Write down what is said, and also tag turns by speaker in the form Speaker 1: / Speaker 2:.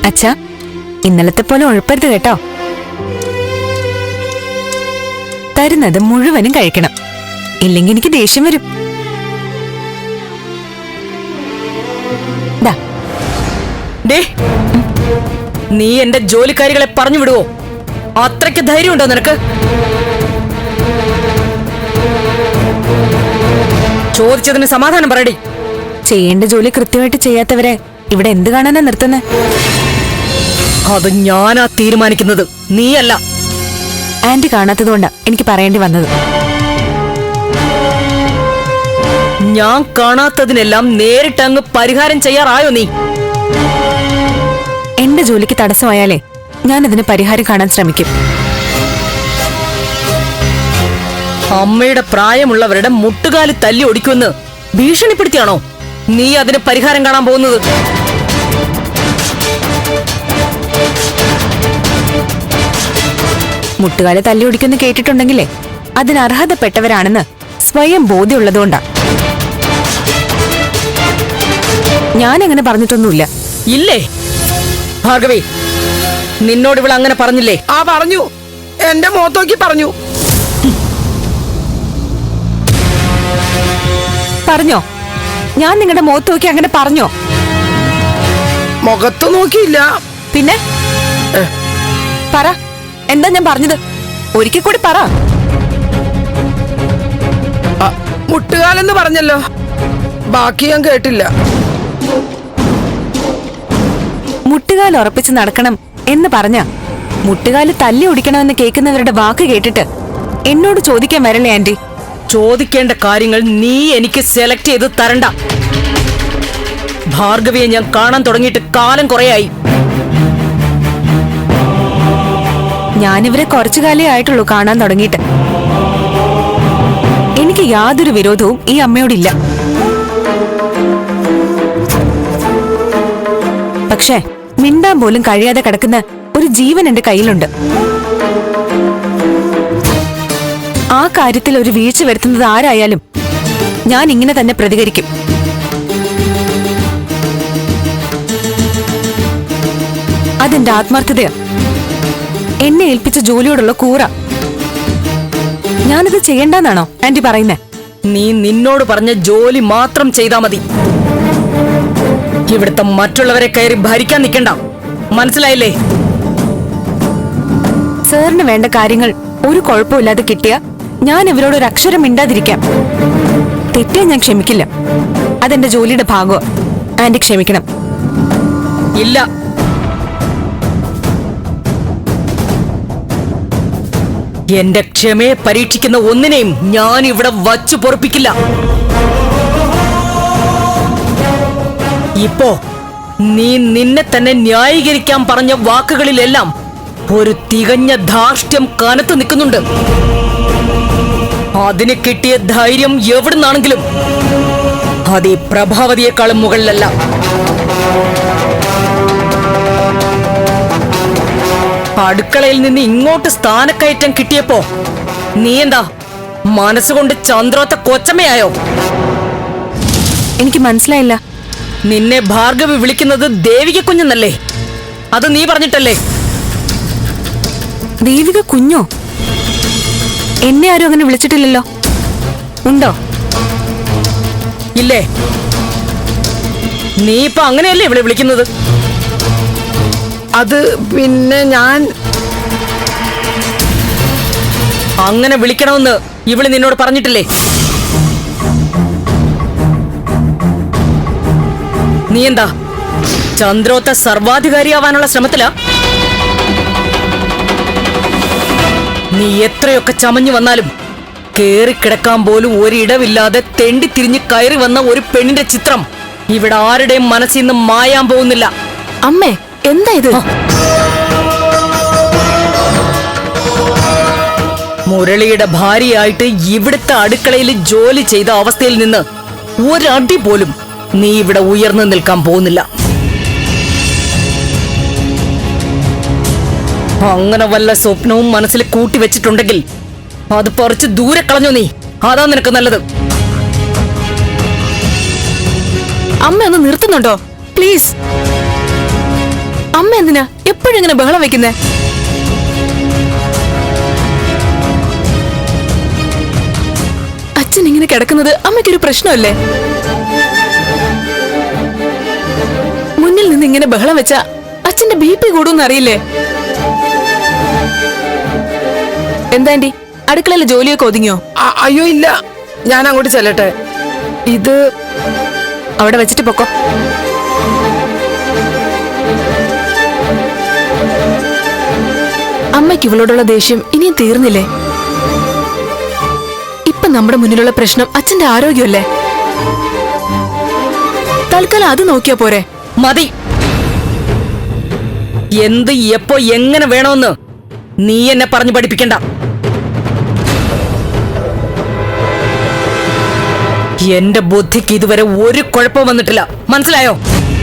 Speaker 1: അച്ഛാ, ഇന്നലത്തെ പോലെ ഉഴപ്പരുത് കേട്ടോ. തരുന്നത് മുഴുവനും കഴിക്കണം, ഇല്ലെങ്കിൽ എനിക്ക് ദേഷ്യം വരും.
Speaker 2: നീ എന്റെ ജോലിക്കാരികളെ പറഞ്ഞു വിടുവോ? അത്രയ്ക്ക് ധൈര്യമുണ്ടോ നിനക്ക്? ചോദിച്ചതിന് സമാധാനം പറയടി.
Speaker 1: ചെയ്യേണ്ട ജോലി കൃത്യമായിട്ട് ചെയ്യാത്തവരെ ഇവിടെ എന്ത് കാണാനാ നിർത്തുന്നത്?
Speaker 2: അത് ഞാനാ തീരുമാനിക്കുന്നത്, നീയല്ല.
Speaker 1: ആന്റി കാണാത്തതുകൊണ്ടാ എനിക്ക് പറയേണ്ടി വന്നത്.
Speaker 2: ഞാൻ കാണാത്തതിനെല്ലാം നേരിട്ടങ്ങ് പരിഹാരം ചെയ്യാറായോ നീ?
Speaker 1: എന്റെ ജോലിക്ക് തടസ്സമായാലേ ഞാനതിന് പരിഹാരം കാണാൻ ശ്രമിക്കും.
Speaker 2: അമ്മയുടെ പ്രായമുള്ളവരുടെ മുട്ടുകാലി തല്ലി ഒടിക്കുമെന്ന് ഭീഷണിപ്പെടുത്തിയാണോ നീ അതിന് പരിഹാരം കാണാൻ പോകുന്നത്?
Speaker 1: മുട്ടുകാലെ തല്ലി ഒടിക്കുമെന്ന് കേട്ടിട്ടുണ്ടെങ്കിലേ അതിന് അർഹതപ്പെട്ടവരാണെന്ന് സ്വയം ബോധ്യമുള്ളതുകൊണ്ടാ. ഞാനങ്ങനെ പറഞ്ഞിട്ടൊന്നുമില്ല.
Speaker 2: ഇല്ലേ ഭാർഗവി? നിന്നോട് ഇവൾ അങ്ങനെ പറഞ്ഞില്ലേ?
Speaker 3: ആ പറഞ്ഞു, എന്റെ മുഖത്തോക്കി പറഞ്ഞു.
Speaker 1: പറഞ്ഞോ? ഞാൻ നിങ്ങളുടെ മുഖത്ത് നോക്കി അങ്ങനെ പറഞ്ഞോ?
Speaker 3: മുഖത്ത് നോക്കിയില്ല.
Speaker 1: പിന്നെ പറ, എന്താ ഞാൻ പറഞ്ഞത്? ഒരിക്കൽ കൂടി പറ.
Speaker 3: മുട്ടുകാലെന്ന് പറഞ്ഞല്ലോ, ബാക്കി ഞാൻ കേട്ടില്ല.
Speaker 1: മുട്ടുകാൽ ഉറപ്പിച്ച് നടക്കണം എന്ന് പറഞ്ഞ മുട്ടുകാല് തല്ലി ഒടിക്കണമെന്ന് കേൾക്കുന്നവരുടെ വാക്ക് കേട്ടിട്ട് എന്നോട് ചോദിക്കാൻ വരല്ലേ ആന്റി?
Speaker 2: ചോദിക്കേണ്ട കാര്യങ്ങൾ നീ എനിക്ക് സെലക്ട് ചെയ്ത് തരണ്ട. ഭാർഗവിയെ ഞാൻ കാണാൻ തുടങ്ങിയിട്ട് കാലം കുറയായി.
Speaker 1: ഞാനിവരെ കുറച്ചു കാലേ ആയിട്ടുള്ളൂ കാണാൻ തുടങ്ങിയിട്ട്. എനിക്ക് യാതൊരു വിരോധവും ഈ അമ്മയോടില്ല. പക്ഷേ മിണ്ടാൻ പോലും കഴിയാതെ കിടക്കുന്ന ഒരു ജീവൻ എന്റെ കയ്യിലുണ്ട്. ആ കാര്യത്തിൽ ഒരു വീഴ്ച വരുത്തുന്നത് ആരായാലും ഞാൻ ഇങ്ങനെ തന്നെ പ്രതികരിക്കും. അതെന്റെ ആത്മാർത്ഥതയാ, എന്നെ ഏൽപ്പിച്ച ജോലിയോടുള്ള കൂറ. ഞാനത് ചെയ്യണ്ടെന്നാണോ ആന്റി പറയുന്നേ?
Speaker 2: നീ നിന്നോട് പറഞ്ഞ ജോലി മാത്രം ചെയ്താ മതി. ഇവിടുത്തെ മറ്റുള്ളവരെ കയറി ഭരിക്കാൻ നിൽക്കണ്ട, മനസ്സിലായില്ലേ?
Speaker 1: സാറിന് വേണ്ട കാര്യങ്ങൾ ഒരു കുഴപ്പമില്ലാതെ കിട്ടിയ ഞാൻ ഇവരോട് ഒരു അക്ഷരം മിണ്ടാതിരിക്കാം. തെറ്റേ ഞാൻ ക്ഷമിക്കില്ല. അതെന്റെ ജോലിയുടെ ഭാഗമാ. ആന്റി ക്ഷമിക്കണം.
Speaker 2: ഇല്ല, എന്റെ ക്ഷമയെ പരീക്ഷിക്കുന്ന ഒന്നിനെയും ഞാൻ ഇവിടെ വച്ചു പൊറപ്പിക്കില്ല. ഇപ്പോ നീ നിന്നെ തന്നെ ന്യായീകരിക്കാൻ പറഞ്ഞ വാക്കുകളിലെല്ലാം ഒരു തികഞ്ഞ ധാർഷ്ട്യം കനത്തു നിൽക്കുന്നുണ്ട്. അതിന് കിട്ടിയ ധൈര്യം എവിടുന്നാണെങ്കിലും അത് ഈ പ്രഭാവതിയെക്കാളും മുകളിലല്ല. അടുക്കളയിൽ നിന്ന് ഇങ്ങോട്ട് സ്ഥാനക്കയറ്റം കിട്ടിയപ്പോ നീ എന്താ മനസ്സുകൊണ്ട് ചന്ദ്രോത്ത കൊച്ചമ്മയായോ?
Speaker 1: എനിക്ക് മനസ്സിലായില്ല.
Speaker 2: നിന്നെ ഭാർഗവി വിളിക്കുന്നത് ദേവിക കുഞ്ഞെന്നല്ലേ? അത് നീ പറഞ്ഞിട്ടല്ലേ?
Speaker 1: ദേവിക കുഞ്ഞോ? എന്നെ ആരും അങ്ങനെ വിളിച്ചിട്ടില്ലല്ലോ. ഉണ്ടോ?
Speaker 2: ഇല്ലേ? നീ ഇപ്പൊ അങ്ങനെയല്ലേ ഇവിടെ വിളിക്കുന്നത്?
Speaker 3: അത് പിന്നെ ഞാൻ
Speaker 2: അങ്ങനെ വിളിക്കണമെന്ന് ഇവള് നിന്നോട് പറഞ്ഞിട്ടില്ലേ? നീ എന്താ ചന്ദ്രോത്ത സർവാധികാരിയാവാനുള്ള ശ്രമത്തിലാ? നീ എത്രയൊക്കെ ചമഞ്ഞു വന്നാലും കേറിക്കിടക്കാൻ പോലും ഒരിടവില്ലാതെ തെണ്ടിത്തിരിഞ്ഞ് കയറി വന്ന ഒരു പെണ്ണിന്റെ ചിത്രം ഇവിടെ ആരുടെയും മനസ്സിൽ നിന്ന് മായാൻ പോകുന്നില്ല.
Speaker 1: അമ്മേ, എന്താ ഇത്?
Speaker 2: മുരളിയുടെ ഭാര്യയായിട്ട് ഇവിടുത്തെ അടുക്കളയിൽ ജോലി ചെയ്ത അവസ്ഥയിൽ നിന്ന് ഒരടി പോലും നീ ഇവിടെ ഉയർന്നു നിൽക്കാൻ പോകുന്നില്ല. അങ്ങനെ വല്ല സ്വപ്നവും മനസ്സിൽ കൂട്ടി വെച്ചിട്ടുണ്ടെങ്കിൽ അത് പറിച്ച് ദൂരെ കളഞ്ഞു നീ. അതാ നിനക്ക് നല്ലത്.
Speaker 1: അമ്മ ഒന്ന് നിർത്തുന്നുണ്ടോ പ്ലീസ്? അമ്മ എന്തിനാ എപ്പോഴും ഇങ്ങനെ ബഹളം വെക്കുന്നേ? അച്ഛൻ ഇങ്ങനെ കിടക്കുന്നത് അമ്മയ്ക്കൊരു പ്രശ്നമല്ലേ? മുന്നിൽ നിന്ന് ഇങ്ങനെ ബഹളം വെച്ച അച്ഛന്റെ BP കൂടുമെന്ന് അറിയില്ലേ? എന്താണ്ടി അടുക്കളയിലെ ജോലിയൊക്കെ ഒതുങ്ങിയോ?
Speaker 3: അയ്യോ ഇല്ല, ഞാൻ അങ്ങോട്ട് ചെല്ലട്ടെ. ഇത്
Speaker 1: അവിടെ വെച്ചിട്ട് പൊക്കോ. അമ്മയ്ക്ക് ഇവളോടുള്ള ദേഷ്യം ഇനിയും തീർന്നില്ലേ? ഇപ്പൊ നമ്മുടെ മുന്നിലുള്ള പ്രശ്നം അച്ഛന്റെ ആരോഗ്യമല്ലേ? തൽക്കാലം അത് നോക്കിയാ പോരെ?
Speaker 2: മതി. എന്ത് എപ്പോ എങ്ങനെ വേണമെന്ന് നീ എന്നെ പറഞ്ഞു പഠിപ്പിക്കണ്ട. എന്റെ ബുദ്ധിക്ക് ഇതുവരെ ഒരു കുഴപ്പവും വന്നിട്ടില്ല, മനസ്സിലായോ?